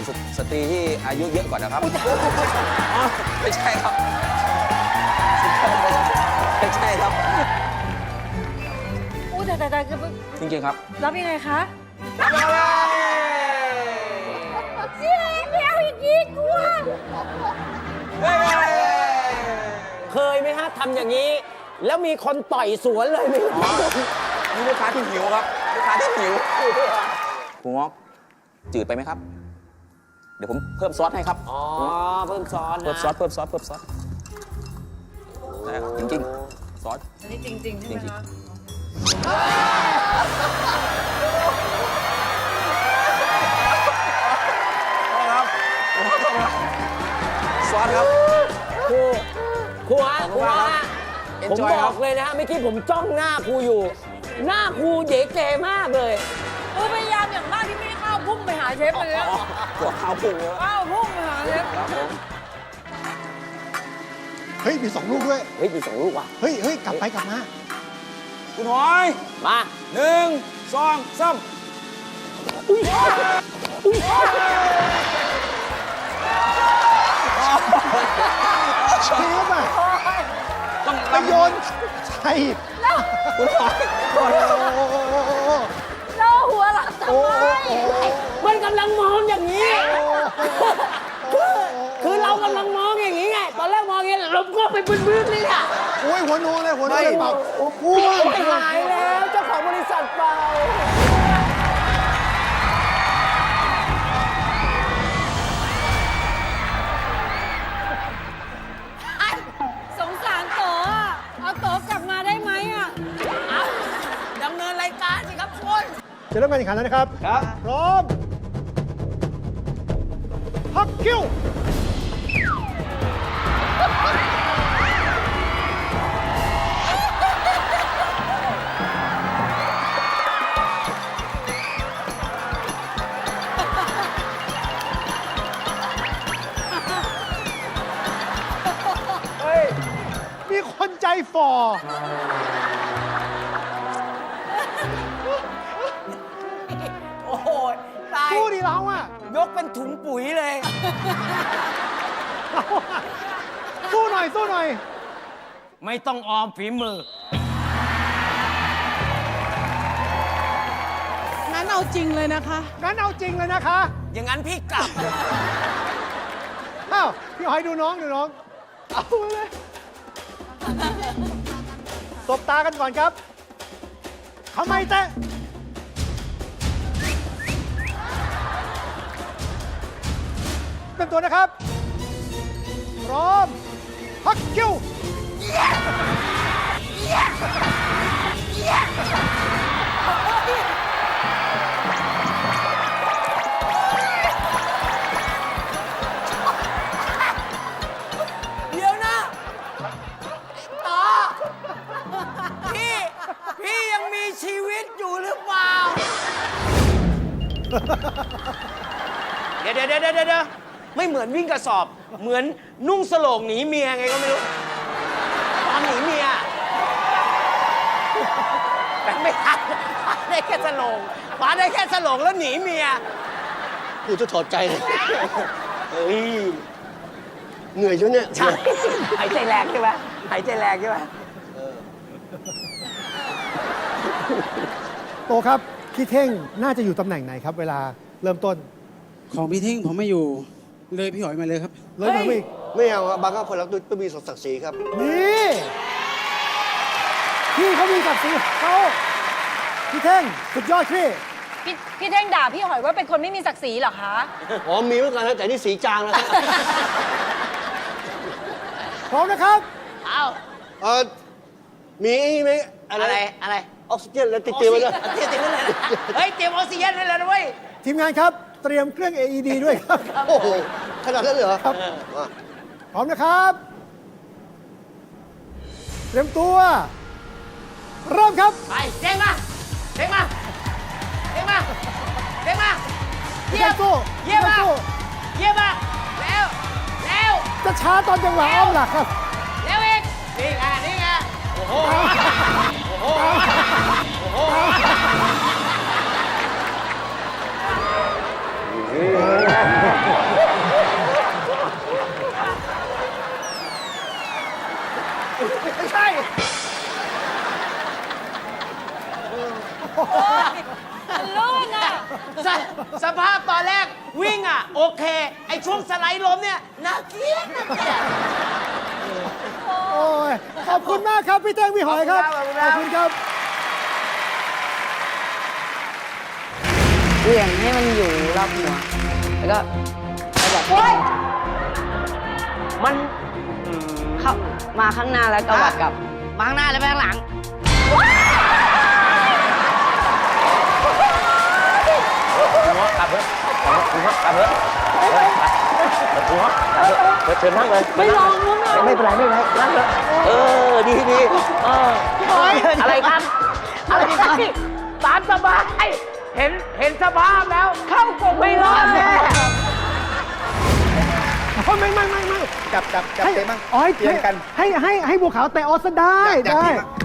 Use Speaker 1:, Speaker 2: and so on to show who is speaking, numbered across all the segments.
Speaker 1: กับสตรีที่อายุเยอะกว่านะครับไม่ใช่ครับไม่ใช่ครับ
Speaker 2: อู้แต่
Speaker 1: จริงๆครับ
Speaker 2: รับยังไงคะเสียเดียวอีกทีกลัว
Speaker 3: เคยไหมฮะทำอย่างนี้ แล้วมีคนต่อยสวนเลยไหม
Speaker 1: นี่ลูกค้าที่หิวครับลูกค้าที่หิวคุณงอกจืดไปไหมครับ เดี๋ยวผมเพิ่มซอสให้ครับ
Speaker 3: อ๋อเพิ่มซอสนะ
Speaker 1: เพิ่มซอสได้ครับจริงๆซอส
Speaker 2: อันนี้จริงๆใช่ไหมคะ
Speaker 1: ซอสครับ
Speaker 3: ครูฮะครูฮะผม
Speaker 1: Enjoy
Speaker 3: บอกเลยนะฮะเมื่อกี้ผมจ้องหน้าครูอยู่ หน้าครูเก๋เก๋มากเลย
Speaker 2: พยายามอย่างมากที่ไม่ให้ข้าวพุ่งไปหาเชฟเลยนะ
Speaker 1: หัวข้าวพุ่งเลย
Speaker 2: ข้าวพุ่งไปหาเชฟ
Speaker 1: ครับผม
Speaker 4: เฮ้ย มี2 ลูกด้วย
Speaker 3: เฮ้ยมี2 ลูกว่ะ
Speaker 4: เฮ้ย กลับไปกลับมา
Speaker 1: คุณหอย
Speaker 3: มา
Speaker 1: 1 2 3
Speaker 4: เชฟอ่ะ
Speaker 1: ต้อง
Speaker 4: ไปโยนใส่
Speaker 1: คุณหอย
Speaker 4: โอ้โห
Speaker 2: เราหัวหลังทำ
Speaker 4: โอ้
Speaker 2: ไม
Speaker 4: โห
Speaker 3: มันกำลังมองอย่างนี้ คือเรากำลังมองอย่างนี้ไง ตอนแรกมองอย่างนี้ลมก็ไปบึ้นๆเลยอ่ะ
Speaker 4: โอ้ยหัวโนเลยหัวโนเลยเปล่ากูว่า
Speaker 3: หายแล้วเจ้าของบริษัทเปล่า
Speaker 2: สงสารโตอ่ะเอาโตกลับมาได้ไหมอ่ะ
Speaker 3: เอาดำเนินรายการสิครับคุณ
Speaker 4: จะเริ่มการแข่งขันแล้วนะครับ
Speaker 1: ครับ
Speaker 4: พร้อม พักคิ้ว เฮ้ย มีคนใจฝ่อ
Speaker 3: โอ้โหตาย
Speaker 4: สู้ดิเราอ่ะ
Speaker 3: ยกเป็นถุงปุ๋ยเลย
Speaker 4: เราอะสู้หน่อย สู้หน่อย
Speaker 3: ไม่ต้องออมฝีมือ
Speaker 5: งั้นเอาจริงเลยนะคะ
Speaker 4: งั้นเอาจริงเลยนะคะ
Speaker 3: อย่างนั้นพี่กลับ
Speaker 4: อ้าว พี่หอยดูน้องเอาเลยสบตากันก่อนครับทำไมเตะเป็นตัวนะครับ พร้อม พักคิ้ว
Speaker 3: เดี๋ยวนะต่อพี่ยังมีชีวิตอยู่หรือเปล่า เดี๋ยวไม่เหมือนวิ่งกระสอบ เหมือนนุ่งสโลงหนีเมียไงก็ไม่รู้ ตอนหนีเมียแต่ไม่ทันคว้าได้แค่สโลงคว้าได้แค่สโลงแล้วหนีเมีย
Speaker 6: กูจะถอดใจเลย เฮ้ย เหนื่อยจนเนี่ย
Speaker 3: ใช่หายใจแรงใช่ไหมหายใจแรงใช่ไหม
Speaker 4: โตครับ พี่เท่งน่าจะอยู่ตำแหน่งไหนครับ เวลาเริ่มต้น
Speaker 7: ของพี่เท่งผมไม่อยู่เลยพี่หอยมาเลยครับ
Speaker 4: เลยมาอีก
Speaker 6: ไม่เอาอะบางคนรักต้องมีศักดิ์ศรีครับ
Speaker 4: นี่พี่เขามีศักดิ์ศรีของเขาพี่เท่งสุดยอดพี่
Speaker 2: พี่เท่งด่าพี่หอยว่าเป็นคนไม่มีศักดิ์ศรีเหรอคะ
Speaker 6: อ๋อมีเหมือนกันนะแต่นี่สีจางแล้วครับ
Speaker 4: พร้อมนะครับ
Speaker 3: เอา
Speaker 6: เออมีไอ้นี่ไหม
Speaker 3: อะไรอะไร
Speaker 6: ออกซิเจนแล้วติดเตียงไว้ด้วย
Speaker 3: เตรียมไว้เลยนะเฮ้ยเตรียมออกซิเจนให้เลยนะเว้ย
Speaker 4: ทีมงานครับ เตรียมเครื่อง AED ด้วยครับ
Speaker 6: โอ้โห ขนาดนั้นเลยเหรอ
Speaker 4: ครับ
Speaker 6: มา
Speaker 4: พร้อมนะครับ เตรียมตัว เริ่มครับ
Speaker 3: ไปเด้งมาเด้งมาเด้งมาเด้งมา
Speaker 4: พี่
Speaker 3: เยี่ย
Speaker 4: เท่
Speaker 3: ม
Speaker 4: งสู้
Speaker 3: เยี่ยม
Speaker 4: พี่
Speaker 3: มา
Speaker 4: เท่งสู้
Speaker 3: เยี่ยมมาแล้วแล้ว
Speaker 4: จะช้าตอนจังหวะอ้อมหลักครับ
Speaker 3: แล้วอีกนี่ไงโอ้โหโอ้โหไม่ใช่
Speaker 2: มันลื่นอ่ะ
Speaker 3: สภาพตอนแรกวิ่งอ่ะ โอเค ไอช่วงสไลด์ล้มเนี่ยน่าเกลียดน่าเกลียด
Speaker 4: โอ้ย ขอบคุณมากครับ พี่เท่งพี่หอยครับ
Speaker 3: ขอบคุณครับ
Speaker 4: ขอบคุณครับ
Speaker 8: เหวี่ยงให้มันอยู่รอบหัว แล้วก็แบบ
Speaker 3: มัน
Speaker 8: เข้ามาข้างหน้าแล้วก็วัดกลับ มาข้างหน้าแล้วไปข้างหลัง
Speaker 3: หัวกลับเถอะหัวกลับเถอะหัวกลับเถอะเชิญนั่งเลย
Speaker 2: ไม่ลองมั้งอ่ะ
Speaker 3: ไม่เป็นไรไม่เป็นไรนั่งเถอะดีอะไรครับ อะไรครับตามสบาย เห็นสภาพแล้ว เข้ากงไม่รอดแน่
Speaker 4: ไม่จับเตะมั้งเปลี่ยนกันให้บัวขาวเตะออสได้ได้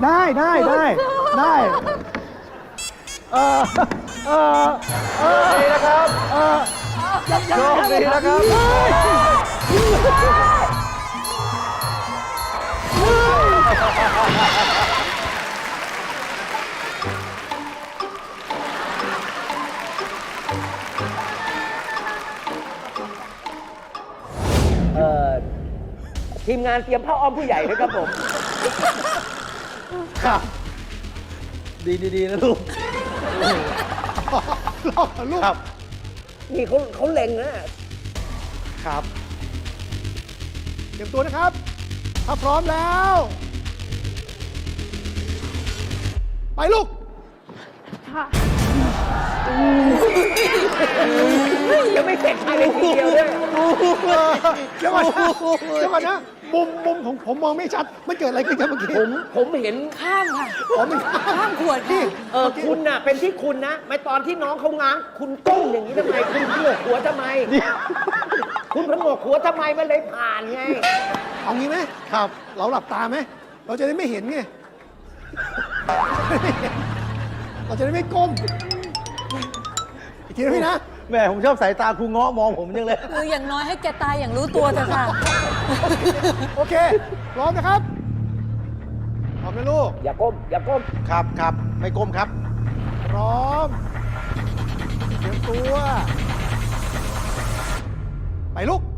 Speaker 4: ดีนะครับโชคดีนะครับ
Speaker 3: ทีมงานเตรียมผ้าอ้อมผู้ใหญ่ด้วยครับผม
Speaker 4: ครับดีนะลูกลอกลูกครับ
Speaker 3: นี่เขาเล็งนะครับ
Speaker 4: เตรียมตัวนะครับ ถ้าพร้อมแล้ว ไปลูก
Speaker 3: ยังไม่เสร็จภายในทีเดียวด้วย
Speaker 4: เดี๋ยวก่อนนะมุมของผมมองไม่ชัด มันเกิดอะไรขึ้นครับเมื่อกี้
Speaker 3: ผมเห็น
Speaker 2: ข้ามค่ะ
Speaker 4: ผมไม่
Speaker 2: ข้ามขวดค่ะ
Speaker 3: คุณน่ะเป็นที่คุณนะไม่ตอนที่น้องเขาง้างคุณก้มอย่างนี้ทำไม คุณผงกหัวทำไม คุณผงกหัวทำไมมันเลยผ่านไง
Speaker 4: เอางี้ไหมครับ เราหลับตาไหม เราจะได้ไม่เห็นไง เราจะได้ไม่ก้ม อีกทีนะพี่นะ
Speaker 6: แม่ผมชอบสายตาครูเงาะมองผมจังเลย
Speaker 2: คืออย่างน้อยให้แกตายอย่างรู้ตัวเถอะค่ะ
Speaker 4: โอเค พร้อมนะครับ พร้อมนะลูก
Speaker 3: อย่าก้ม
Speaker 6: ครับ ไม่ก้มครับ
Speaker 4: พร้อม เตรียมตัว ไปลูก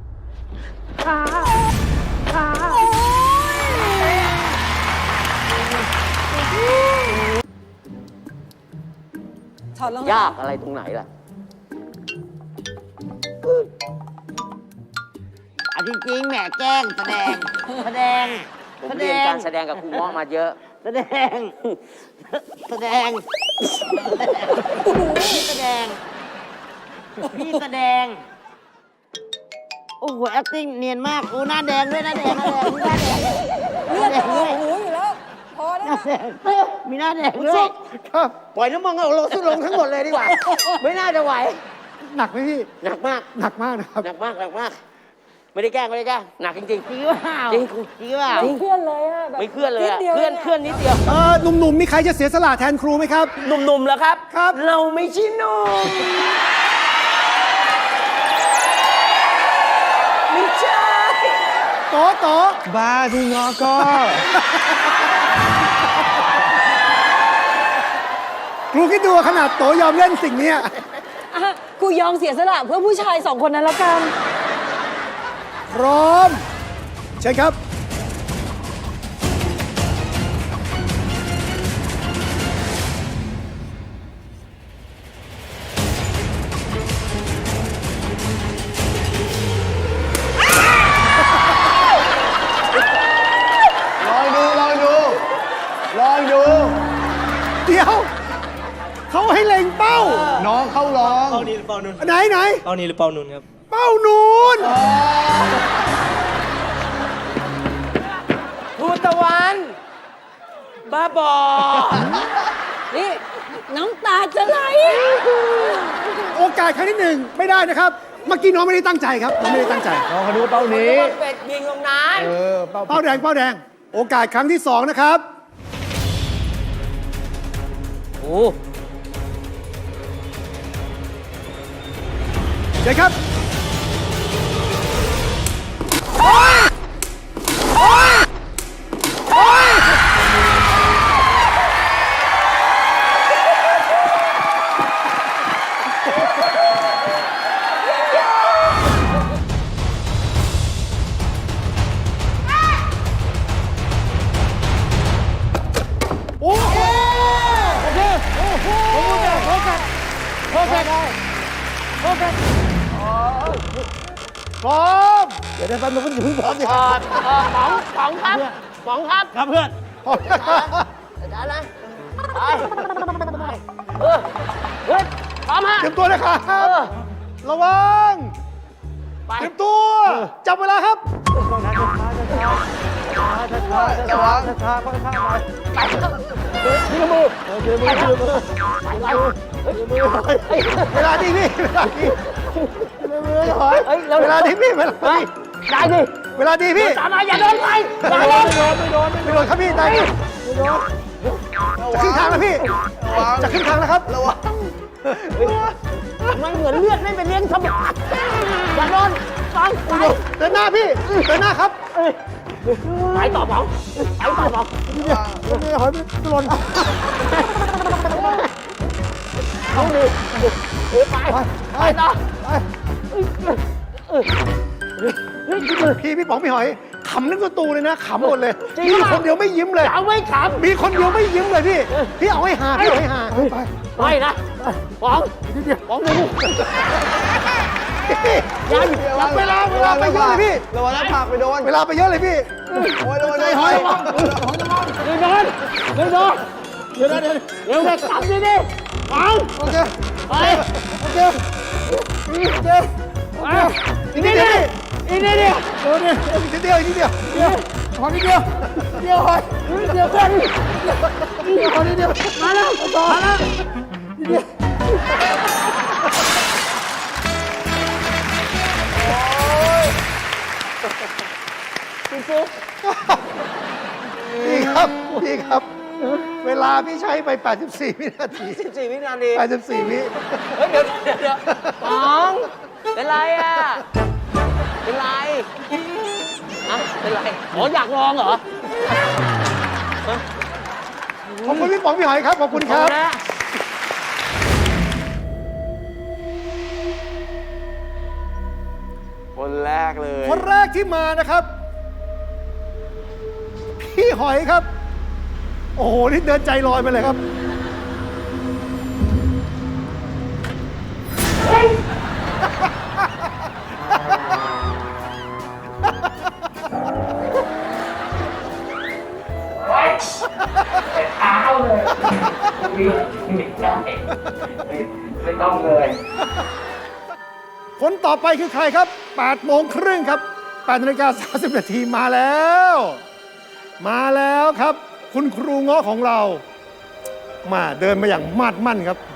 Speaker 2: ถอดรองเท้
Speaker 3: ยากอะไรตรงไหนล่ะ
Speaker 8: จริงๆแหมแกล้งแสดง
Speaker 3: ผมเรียนการแสดงกับครูเงาะมาเยอะ
Speaker 8: แสดง พี่แสดง โอ้โห acting เนียนมาก โอ้หน้าแดงด้วยหน้าแดง
Speaker 2: เลือดจะออกหูอยู่แล้ว พอแล้วนะ
Speaker 8: มีหน้าแดงด้วย
Speaker 4: ครับ
Speaker 3: ปล่อยน้ำมันเอาลงลงทั้งหมดเลยดีกว่า ไม่น่าจะไหว
Speaker 4: หนักไหมพี่
Speaker 3: หนักมาก
Speaker 4: หนักมากนะครับ
Speaker 3: หนักมาก ไม่ได้แกล้งหนักจริง
Speaker 8: จริงเปล่า
Speaker 3: จริง
Speaker 8: จริงเปล่า
Speaker 2: ไม่เคลื่อนเลยอะแบบ
Speaker 3: ไม่เคลื่อนเลยอะ
Speaker 2: ดดีว
Speaker 3: เคลื่อนนิดเดียว
Speaker 4: หนุ่มๆ มีใครจะเสียสละแทนครูไหมครับ
Speaker 3: หนุ่มๆแล้วครับ
Speaker 4: ครับ
Speaker 3: เราไม่ใช่หนุ่มไม่ใช่
Speaker 4: โต
Speaker 6: บ้าที่งอก็
Speaker 4: ครูคิดดูขนาดโตยอมเล่นสิ่งเนี้ย
Speaker 2: อ่ะกูยอมเสียสละเพื่อผู้ชายสองคนนั้นแล้วกัน
Speaker 4: พร้อม ใช่ครับ
Speaker 6: ลองดู
Speaker 4: เดี๋ยว เขาให้เล็งเป้า
Speaker 6: น้องเข้าร้อง
Speaker 9: เป้านี้หรือเป้านุ่น
Speaker 4: ไหน
Speaker 9: เป้านี้หรือเป้านุ่นครับ
Speaker 4: เป้านูน
Speaker 3: ภูตะวัน บ้าบอ
Speaker 2: นี่ น้ำตาจะไหล
Speaker 4: โอกาสครั้งที่หนึ่งไม่ได้นะครับ เมื่อกี้น้องไม่ได้ตั้งใจครับน้องไม่ได้ตั้งใจ
Speaker 6: น้องเขาดูเป้านี้
Speaker 3: เป็ดยิงตรงนั้น
Speaker 4: เป้าแดง โอกาสครั้งที่สองนะครับ
Speaker 3: โอ้
Speaker 4: เดี๋ยวครับ โอ้โหโอเคโอ้โหโอเคโอเคโอเคพร้อมเดี๋ยวได้แป๊บนึงเพิ่งพร้อมดิ
Speaker 3: ป๋องครับป๋องครับ
Speaker 4: ครับเพื่อนพร้อมนะครับ
Speaker 3: อาจารย์นะไปเฮ้ยพร้อมฮะ
Speaker 4: เตรียมตัวนะครับระวัง
Speaker 3: ไป
Speaker 4: เตรียมตัวจับเวลาครับ
Speaker 6: ระวัง
Speaker 4: เวลาดีพี่เวลาดีเวลาดีพี่เวลาดี
Speaker 3: ได้ดิ
Speaker 4: เวลาดีพี่
Speaker 3: ตามมาอย่าโดนไปอย่าโดน
Speaker 4: ไม่โดนครับพี่ได้ครับจะขึ้นทางแล้วพี่จะขึ้นทางแล้วครับ
Speaker 6: ระวัง
Speaker 3: มันเหมือนเลือดไม่ไปเลี้ยงสมองอย่าโดนป๋องไป
Speaker 4: เดินหน้าพี่เดินหน้าครับ
Speaker 3: ไปต่อป๋องไปต่อป๋อง
Speaker 4: ไม่หอยไม่หล่น
Speaker 3: เอาดิไปต่อ
Speaker 4: พี่ป๋องพี่หอยขำนึกตัวตูเลยนะขำหมดเลย
Speaker 3: จริง
Speaker 4: มี
Speaker 3: ป่ะ
Speaker 4: คนเดียวไม่ยิ้มเลย
Speaker 3: เอาไม่ข
Speaker 4: มีคนเดียวไม่ยิ้มเลยพี่พี่เอาให้หาพี่เอาให้หาไป
Speaker 3: ำไม่นะป๋องป๋องดู
Speaker 4: ยังเวลาไปเยอะเลยพี่
Speaker 6: ระวังแล้วผลักไปโดน
Speaker 4: เวลาไปเยอะเลยพี่
Speaker 6: โอ้ยระวัง
Speaker 4: ใจหอย
Speaker 3: ไม่โดนไม่โดน
Speaker 4: เดี๋ยวนะเดี๋ยว
Speaker 3: เดี๋ยวเด็กทำดิดิป๋อง
Speaker 4: โอเค
Speaker 3: ไป
Speaker 4: โอเคโอเค
Speaker 3: อีกนิดเดียวอีกนิดเดียว
Speaker 4: เดี๋ยวเนี่ยอีกนิดเดียวอีกนิดเดียวเดี๋ยวขอนิดเดียวเดียวหอย
Speaker 3: เดี๋ยวเพื่อน
Speaker 4: ขอนิดเดียว
Speaker 3: มาแล้วมาแล้ว
Speaker 4: พี่ครับพี่ครับ เวลาพี่ใช้ไป 84 วินาที
Speaker 6: 14 วินาที
Speaker 4: 84 วิ
Speaker 3: เดี๋ยวป๋องเป็นไรอ่ะเป็นไรอะเป็นไรอ๋ออยากลองเหรอ
Speaker 4: ขอบคุณพี่ป๋องพี่หอยครับขอบคุณครับ
Speaker 3: นะ
Speaker 1: คนแรกเลย
Speaker 4: คนแรกที่มานะครับ พี่หอยครับ โอ้โห นี่เดินใจลอยไปเลยครับ
Speaker 3: เท้าเลยไม่ได้ไม่ต้องเลย
Speaker 4: คนต่อไปคือใครครับ 8 โมงครึ่งครับ 8:30 นาทีมาแล้ว มาแล้วครับ คุณครูเงาะของเรา มาเดินมาอย่างมาดมั่นครับ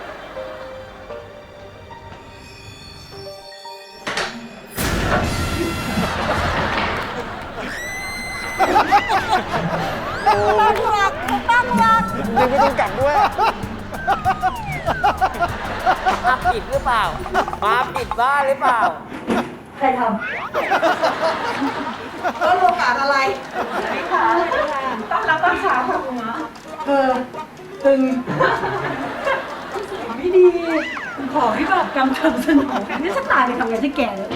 Speaker 2: ตั้งหลักตั้งหลัก
Speaker 6: ดึงไม่ต้องกัดด้วย
Speaker 3: มาปิดหรือเปล่า มาปิดบ้านหรือเปล่า
Speaker 2: ใครทำก็โอกาสอะไรไม่ค่ะต้อนรับตอนเช้าค่ะคุณหมอตึงไม่ดี ขอให้แบบกำชับสนองนี่ฉันตายไปทำไงที่แก่เลย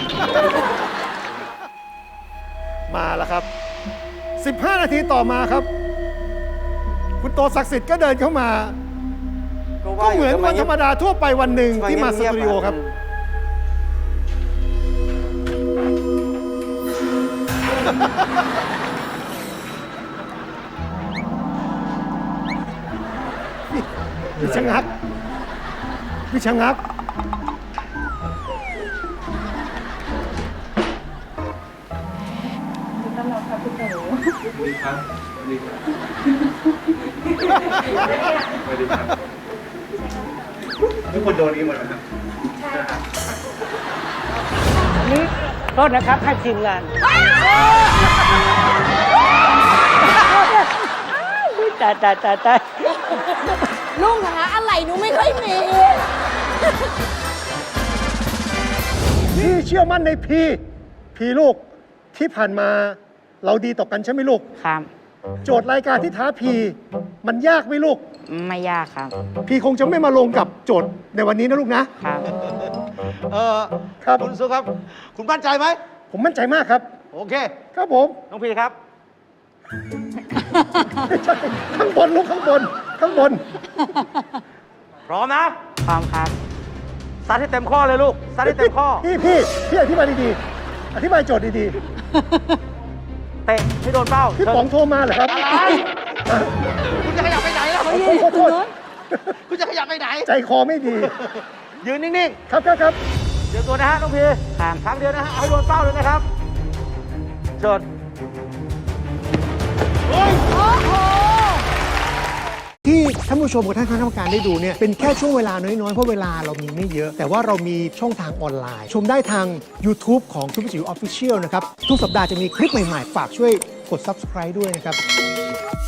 Speaker 4: มาแล้วครับ 15 นาทีต่อมาครับ คุณโตศักดิ์สิทธิ์ก็เดินเข้ามา ก็เหมือนวันธรรมดาทั่วไปวันหนึ่งที่มาสตูดิโอครับ พี่ชะงักพี่ชะงัก
Speaker 9: ทุกคนโดนนี้หมดแล้วครับ
Speaker 3: นี่โทษนะครับให้ทีมงานตาย
Speaker 2: ลุงหาอะไรหนูไม่ค่อยมี
Speaker 4: พี่เชื่อมั่นในพีลูกที่ผ่านมาเราดีต่อกันใช่ไหมลูก
Speaker 8: ครับ
Speaker 4: โจทย์รายการที่ท้าพีมันยากไหมลูก
Speaker 8: ไม่ยากครับ
Speaker 4: พี่คงจะไม่มาลงกับโจทย์ในวันนี้นะลูกนะ
Speaker 8: ครับ
Speaker 4: ครับ
Speaker 6: คุณสุครับ คุณมั่นใจไหม
Speaker 4: ผมมั่นใจมากครับ
Speaker 6: โอเค
Speaker 4: ครับผม
Speaker 6: น้องพีครับ
Speaker 4: ไม่ใช่ข้างบนลูกข้างบน ข้างบน
Speaker 6: พร้อมนะ
Speaker 8: พร้อมครับ
Speaker 6: ซัดให้เต็มข้อเลยลูก ซัดให้เต็มข้อ
Speaker 4: พี่อธิบายดีๆ อธิบายโจทย์ดี
Speaker 6: เตะให้โดนเป้า
Speaker 4: ๆ พี่ป๋องโทรมาเหรอครับ
Speaker 6: อะไร คุณจะขยับไปไหนล่ะ
Speaker 4: ขอโทษ
Speaker 6: คุณจะขยับไปไหน
Speaker 4: ใจคอไม่ดี
Speaker 6: ยืนนิ่ง
Speaker 4: ครับ
Speaker 6: ๆ เดี๋ยวตัวนะฮะน้องพี
Speaker 8: ครับ
Speaker 6: ครั้งเดียวนะฮะเอาให้โดนเป้าเลยนะครับโจทย์
Speaker 4: ที่ท่านผู้ชมกับท่านคณะกรรมการได้ดูเนี่ยเป็นแค่ช่วงเวลาน้อยๆ เพราะเวลาเรามีไม่เยอะ แต่ว่าเรามีช่องทางออนไลน์ ชมได้ทาง YouTube ของซุปเปอร์จิ๋วออฟฟิเชียลนะครับ ทุกสัปดาห์จะมีคลิปใหม่ๆ ฝากช่วยกด Subscribe ด้วยนะครับ